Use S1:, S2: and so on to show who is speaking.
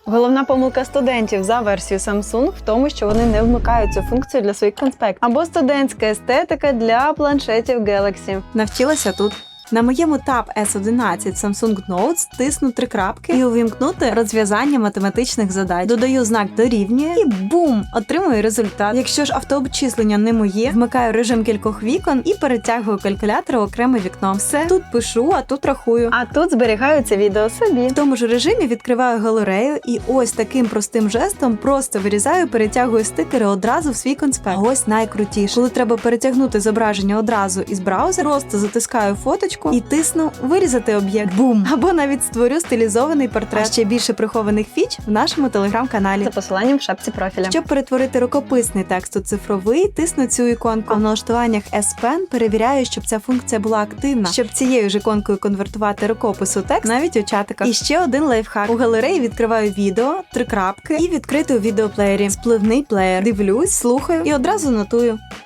S1: Головна помилка студентів за версією Samsung в тому, що вони не вмикають цю функцію для своїх конспектів. Або студентська естетика для планшетів Galaxy.
S2: Навчилася тут. На моєму Tab S11 Samsung Notes тисну 3 крапки і увімкнути розв'язання математичних задач. Додаю знак дорівнює і бум! Отримую результат. Якщо ж автообчислення не моє, вмикаю режим кількох вікон і перетягую калькулятор в окреме вікно. Все, тут пишу, а тут рахую.
S1: А тут зберігаються відео собі.
S2: В тому ж режимі відкриваю галерею і ось таким простим жестом просто вирізаю, перетягую стикери одразу в свій конспект. А ось найкрутіше. Коли треба перетягнути зображення одразу із браузера, просто затискаю фоточку і тисну «Вирізати об'єкт». Бум! Або навіть створю стилізований портрет. А ще більше прихованих фіч в нашому телеграм-каналі.
S1: За посиланням в шапці профіля.
S2: Щоб перетворити рукописний текст у цифровий, тисну цю іконку. А в налаштуваннях S Pen перевіряю, щоб ця функція була активна. Щоб цією ж іконкою конвертувати рукопис у текст навіть у чатиках. І ще один лайфхак. У галереї відкриваю відео, 3 крапки і відкрити у відеоплеєрі. Спливний плеєр. Дивлюсь, слухаю і одразу нотую.